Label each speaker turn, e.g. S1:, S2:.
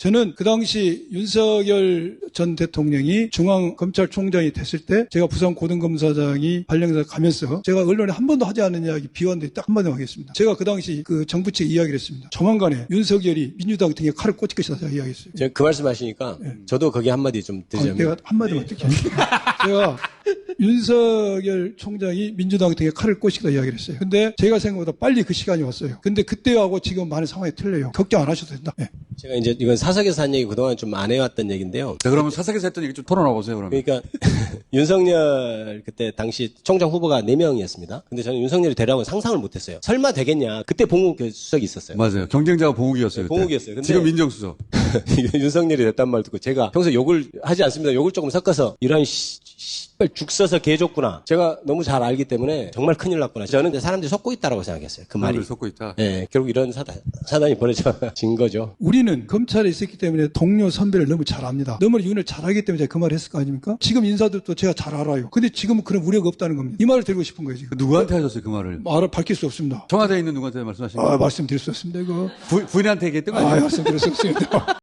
S1: 저는 그 당시 윤석열 전 대통령이 중앙검찰총장이 됐을 때 제가 부산고등검사장이 발령해서 가면서 제가 언론에 한 번도 하지 않은 이야기 비웠는데 딱 한마디 하겠습니다. 제가 그 당시 그 정부 측 이야기를 했습니다. 조만간에 윤석열이 민주당 등에 칼을 꽂을 것이다 제가 이야기했어요.
S2: 제가 그 말씀 하시니까 저도 거기 한마디 좀 드리자면.
S1: 내가 한마디만 어떻게 제가 윤석열 총장이 민주당 등에 칼을 꽂히다 이야기를 했어요. 근데 제가 생각보다 빨리 그 시간이 왔어요. 근데 그때하고 지금 많은 상황이 틀려요. 걱정 안 하셔도 된다. 네.
S2: 제가 이제 이건 사석에서 한 얘기 그동안 좀 안 해왔던 얘기인데요.
S3: 자, 그러면 사석에서 했던 얘기 좀 털어놔 보세요, 그러면.
S2: 그러니까 윤석열 그때 당시 총장 후보가 4명이었습니다. 근데 저는 윤석열이 되라고 상상을 못했어요. 설마 되겠냐. 그때 봉욱 수석이 있었어요.
S3: 맞아요. 경쟁자가 봉욱이었어요. 그때.
S2: 봉욱이었어요. 근데
S3: 지금 민정수석.
S2: 윤석열이 됐단 말 듣고 제가 평소 욕을 하지 않습니다. 욕을 조금 섞어서 이런 씨발 죽 써서 개 줬구나. 제가 너무 잘 알기 때문에 정말 큰일 났구나. 저는 사람들이 속고 있다라고 생각했어요. 그 말이.
S3: 사람들이 속고 있다.
S2: 예, 결국 이런 사단이 벌어진 거죠.
S1: 우리는 검찰에 있었기 때문에 동료 선배를 너무 잘 압니다. 너무 윤을 잘하기 때문에 제가 그 말을 했을 거 아닙니까? 지금 인사들도 제가 잘 알아요. 근데 지금은 그런 우려가 없다는 겁니다. 이 말을 드리고 싶은 거예요, 지금.
S3: 누구한테 하셨어요, 그 말을?
S1: 말을 밝힐 수 없습니다.
S3: 청와대에 있는 누구한테 말씀하신 거예요?
S1: 말씀드릴 수 없습니다, 이거.
S3: 부인한테 얘기했던 거 아니에요?
S1: 말씀드릴 수 없습니다.